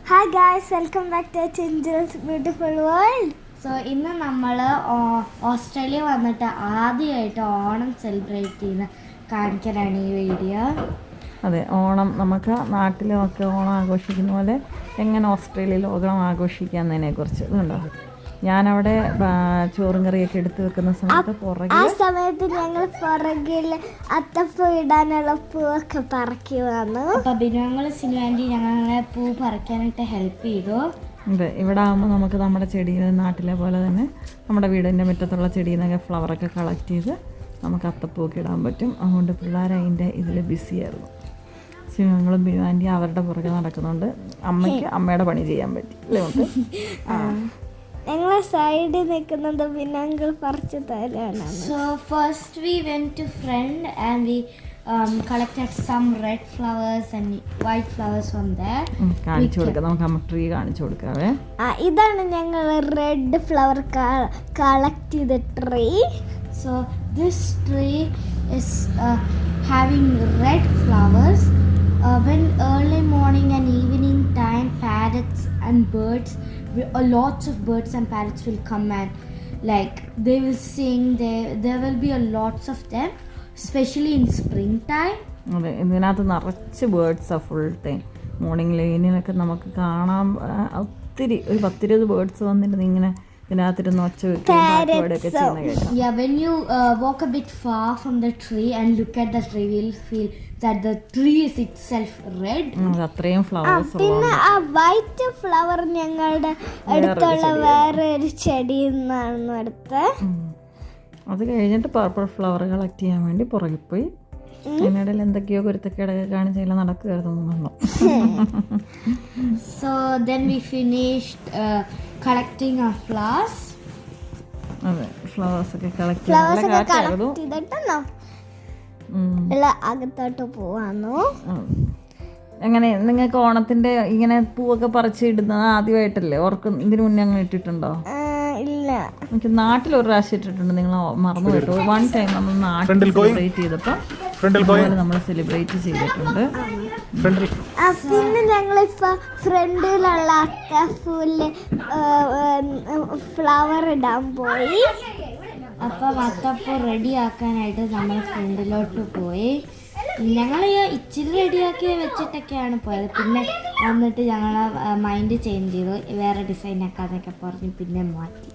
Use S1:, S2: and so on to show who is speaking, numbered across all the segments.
S1: Hi guys, welcome back to Chinchal's beautiful world.
S2: So ഇന്ന് നമ്മൾ Australia വന്നിട്ട് ആദ്യമായിട്ട് ഓണം സെലിബ്രേറ്റ് ചെയ്യുന്ന കാണിക്കാനാണ് ഈ വീഡിയോ.
S3: അതെ, ഓണം നമുക്ക് നാട്ടിലുമൊക്കെ ഓണം ആഘോഷിക്കുന്ന പോലെ എങ്ങനെ ഓസ്ട്രേലിയയിൽ ഓണം ആഘോഷിക്കാന്നതിനെ കുറിച്ച് ഇതുണ്ടോ. ഞാനവിടെ ചോറും കറിയൊക്കെ എടുത്തു വെക്കുന്ന സമയത്ത്
S1: ആ സമയത്ത് ഞങ്ങൾ പുറകിൽ അത്തപ്പൂ ഇടാനുള്ള പൂവൊക്കെ പറക്കി വന്നു.
S2: അപ്പോൾ ബിനുവങ്ങൾ സിനുവാൻറ്റി ഞങ്ങളെ പൂ പറിക്കാനായിട്ട് ഹെൽപ്പ് ചെയ്തു.
S3: അതെ, ഇവിടെ ആകുമ്പോൾ നമുക്ക് നമ്മുടെ ചെടിയിൽ നാട്ടിലെ പോലെ തന്നെ നമ്മുടെ വീടിൻ്റെ മുറ്റത്തുള്ള ചെടിയിൽ നിന്നൊക്കെ ഫ്ലവറൊക്കെ കളക്ട് ചെയ്ത് നമുക്ക് അത്തപ്പൂവൊക്കെ ഇടാൻ പറ്റും. അതുകൊണ്ട് പിള്ളേർ അതിൻ്റെ ഇതിൽ ബിസിയായിരുന്നു. ഞങ്ങളും ബിനുവാൻറ്റി അവരുടെ പുറകെ നടക്കുന്നുണ്ട്. അമ്മയ്ക്ക് അമ്മയുടെ പണി ചെയ്യാൻ പറ്റി അല്ലേ നമുക്ക്.
S1: ഞങ്ങളെ സൈഡിൽ നിൽക്കുന്നത് പിന്നെ അങ്കിൾ പറിച്ചു തരാനാണ്.
S2: So first we went to front and we collected some red flowers and white flowers from there.
S3: കാണിച്ചു കൊടുക്കാം, നമുക്ക് അമ്മ ട്രീ കാണിച്ചു കൊടുക്കാവേ.
S1: ഇതാണ് ഞങ്ങൾ റെഡ് ഫ്ലവർ കളക്ട് ചെയ്ത tree.
S2: So this tree is having red flowers. When early morning and evening time, parrots and birds, lots of birds and parrots will come and like they will sing. There will be a lots of them, especially in springtime.
S3: അതെ, ഇതിനകത്ത് നിറച്ച് ബേർഡ്സാണ് full time. Morning ലൈനിലൊക്കെ നമുക്ക് കാണാൻ ഒത്തിരി, ഒരു 10-20 birds വന്നിട്ട് ഇങ്ങനെ ഇതിനകത്തിരുന്ന് ഒച്ച വെക്കുകയൊക്കെ ചെയ്യുന്ന കേൾക്കാം.
S2: Yeah, when you walk a bit far from the tree and look at the tree, you'll feel that the tree is itself red.
S3: അത്രയും ഫ്ലവേഴ്സ്.
S1: പിന്നെ ആ വൈറ്റ് ഫ്ലവർ ഞങ്ങളുടെ അടുത്തുള്ള വേറെ ഒരു ചെടിയിൽ നിന്നാണ് എടുത്ത്.
S3: അത് കഴിഞ്ഞിട്ട് പർപ്പിൾ ഫ്ലവർ കളക്ട് ചെയ്യാൻ വേണ്ടി പുറകിൽ പോയി. അതിനിടയിൽ എന്തൊക്കെയോ കുരുത്തക്കേടൊക്കെ കാണിച്ചെല്ലാം നടക്കുമായിരുന്നു.
S2: So then we finished collecting our flowers.
S3: അതെ, ഫ്ലവേഴ്സ് ഒക്കെ കളക്ട്
S1: ചെയ്തിട്ടോ എല്ലാം അകത്തോട്ട് പോവാന്നു.
S3: എങ്ങനെ നിങ്ങൾക്ക് ഓണത്തിന്റെ ഇങ്ങനെ പൂവൊക്കെ പറിച്ചിടുന്നത് ആദ്യമായിട്ടല്ലേ? ഇതിനു മുന്നേ അങ്ങനെ ഇട്ടിട്ടുണ്ടോ?
S1: ഇല്ല,
S3: എനിക്ക് നാട്ടിൽ ഒരു പ്രാവശ്യം ഇട്ടിട്ടുണ്ട്. നിങ്ങൾ മറന്നു കേട്ടോ. വൺ ടൈം നമ്മൾ നാട്ടിൽ സെലിബ്രേറ്റ് ചെയ്തപ്പോൾ നമ്മൾ സെലിബ്രേറ്റ് ചെയ്തിട്ടുണ്ട്.
S1: പിന്നെ ഞങ്ങളിപ്പോ ഫ്രണ്ടിലുള്ള അത്തപ്പൂല് ഫ്ലവർ ഇടാൻ പോയി.
S2: അപ്പം അത്തപ്പൂ റെഡി ആക്കാനായിട്ട് നമ്മൾ ഫ്രണ്ടിലോട്ട് പോയി. ഞങ്ങൾ ഇച്ചിരി റെഡിയാക്കി വെച്ചിട്ടൊക്കെയാണ് പോയത്. പിന്നെ വന്നിട്ട് ഞങ്ങൾ മൈൻഡ് ചേഞ്ച് ചെയ്തു, വേറെ ഡിസൈൻ ആക്കാന്നൊക്കെ പറഞ്ഞ് പിന്നെ മാറ്റി.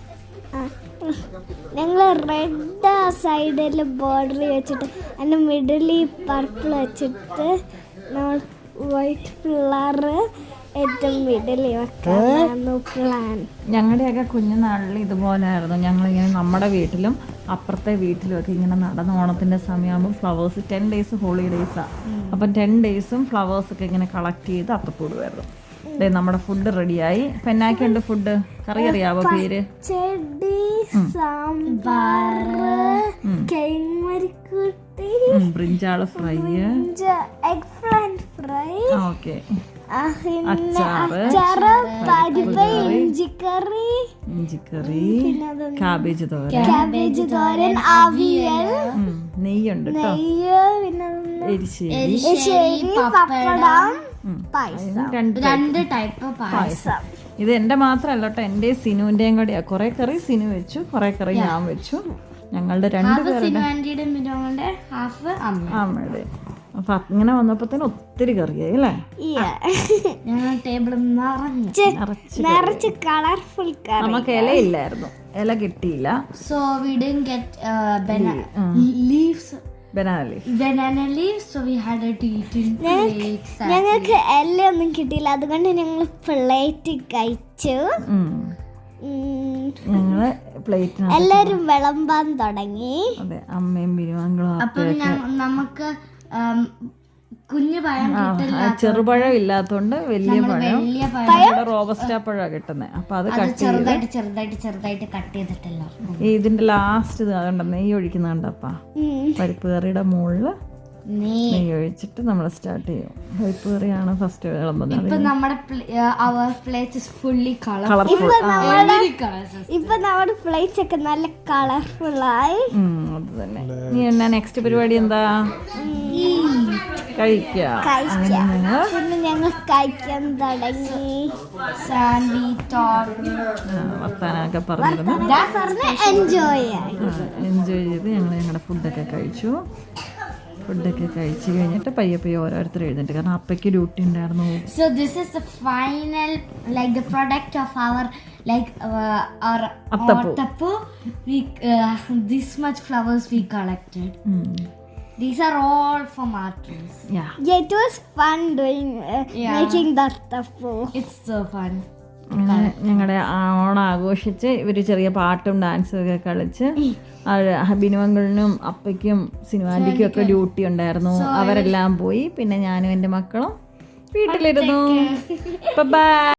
S1: ഞങ്ങൾ റെഡ് സൈഡിൽ ബോർഡർ വെച്ചിട്ട് അതിൻ്റെ മിഡിലിൽ പർപ്പിൾ വെച്ചിട്ട് നമ്മൾ വൈറ്റ് ഫ്ലവർ ഏറ്റവും മിഡിലിൽ വെക്കാനായിരുന്നു പ്ലാൻ.
S3: ഞങ്ങളുടെയൊക്കെ കുഞ്ഞുനാളിൽ ഇതുപോലെയായിരുന്നു. ഞങ്ങളിങ്ങനെ നമ്മുടെ വീട്ടിലും അപ്പുറത്തെ വീട്ടിലുമൊക്കെ ഇങ്ങനെ നടന്ന ഓണത്തിൻ്റെ സമയമാകുമ്പോൾ ഫ്ലവേഴ്സ് 10 days ഹോളിഡേയ്സാണ്. അപ്പം 10 days ഫ്ലവേഴ്സൊക്കെ ഇങ്ങനെ കളക്ട് ചെയ്ത് അത്തപ്പൂടുമായിരുന്നു. അതെ, നമ്മുടെ ഫുഡ് റെഡിയായി. പെന്നാക്കുണ്ട് ഫുഡ്. കറി അറിയാവോ പേര്?
S1: ചെടി, സാമ്പാർ, കൈമരിക്കുട്ടി,
S3: brinjal fry,
S1: egg plant fry,
S3: okay,
S1: അച്ചാറ്, പരിപ്പ്, ഇഞ്ചിക്കറി,
S3: കാബേജ് തോരൻ,
S1: അവിയൽ,
S3: നെയ്യുണ്ട്,
S1: നെയ്യ്, പിന്നെ എരിശ്ശേരി, പപ്പടം,
S2: രണ്ട് ടൈപ്പ് പായസം.
S3: ഇത് എൻ്റെ മാത്രമല്ല കേട്ടോ, എൻ്റെ സിനുവിൻ്റെയും കൂടെയാ. കുറെ കറി സിനു വെച്ചു, കുറെ കറി ഞാൻ വെച്ചു. ഞങ്ങളുടെ രണ്ടുപേരുടെ അമ്മയുടെ. അപ്പൊ ഇങ്ങനെ വന്നപ്പോഴത്തേന് ഒത്തിരി കറിയായി അല്ലേ?
S2: ടേബിൾ
S1: നിറച്ച് കളർഫുൾ കറി.
S3: നമുക്ക് ഇലയില്ലായിരുന്നു, ഇല കിട്ടിയില്ല.
S2: So we didn't get leaves. Banana leaves, so we had to eat in plates.
S1: ഞങ്ങൾക്ക് എല്ലൊന്നും കിട്ടിയില്ല, അതുകൊണ്ട് ഞങ്ങൾ പ്ലേറ്റ് കഴിച്ചു.
S3: ഞങ്ങള് പ്ലേറ്റിന്
S1: എല്ലാരും വിളമ്പാൻ തുടങ്ങി.
S3: അതെ, അമ്മയും ബിരുവാങ്കളും.
S2: അപ്പം നമുക്ക് കുഞ്ഞു പഴം കിട്ടില്ല,
S3: ചെറുപഴം ഇല്ലാത്തോണ്ട് വലിയ പഴം, റോബസ്റ്റ പഴമാണ് കിട്ടുന്നത്. അപ്പൊ അത്
S2: ചെറുതായിട്ട് കട്ട് ചെയ്തിട്ടല്ലോ.
S3: ഇതിന്റെ ലാസ്റ്റ് ഇത് കണ്ട നെയ്യ് ഒഴിക്കുന്ന കണ്ടപ്പാ, പരിപ്പ് കറിയുടെ മുകളില് നെയ്യ് ഒഴിച്ചിട്ട് നമ്മൾ സ്റ്റാർട്ട് ചെയ്യും. പരിപ്പ് കറിയാണ് ഫസ്റ്റ് വിളമ്പുന്നത്.
S2: ഇപ്പൊ നമ്മുടെ
S1: പ്ലേറ്റ്സ് ഒക്കെ നല്ല കളർഫുൾ ആയി.
S3: അത് തന്നെ. നീ എന്നാ നെക്സ്റ്റ് പരിപാടി എന്താ? കഴിക്കാം. അങ്ങനെ ഞങ്ങൾ
S1: പിന്നെ ഞങ്ങൾ കഴിക്കാൻ തുടങ്ങി.
S2: And we talk.
S3: വർത്താനൊക്കെ പറഞ്ഞിരുന്നു.
S1: എൻജോയ് ആയി.
S3: എൻജോയ് ചെയ്ത് ഞങ്ങൾ ഞങ്ങളുടെ ഫുഡൊക്കെ കഴിച്ചു. ഫുഡൊക്കെ കഴിച്ച് കഴിഞ്ഞിട്ട് പയ്യെ ഓരോരുത്തർ എഴുന്നേറ്റ്, കാരണം അപ്പയ്ക്ക് ഡ്യൂട്ടി ഉണ്ടായിരുന്നു.
S2: So this is the final, like the product of our, like our
S3: Attappu.
S2: Attappu. We this much flowers we collected. These are all from our trees.
S3: Yeah.
S1: It was fun doing making that stuff.
S2: It's so fun.
S3: അങ്ങനെ ഞങ്ങളുടെ ഓണം ആഘോഷിച്ച് ഇവർ ചെറിയ പാട്ടും ഡാൻസും ഒക്കെ കളിച്ച്. ബിനുവങ്കളിനും അപ്പയ്ക്കും സിനിമാൻറ്റിക്കും ഒക്കെ ഡ്യൂട്ടി ഉണ്ടായിരുന്നു. അവരെല്ലാം പോയി. പിന്നെ ഞാനും എൻ്റെ മക്കളും വീട്ടിലിരുന്നു. ബൈ.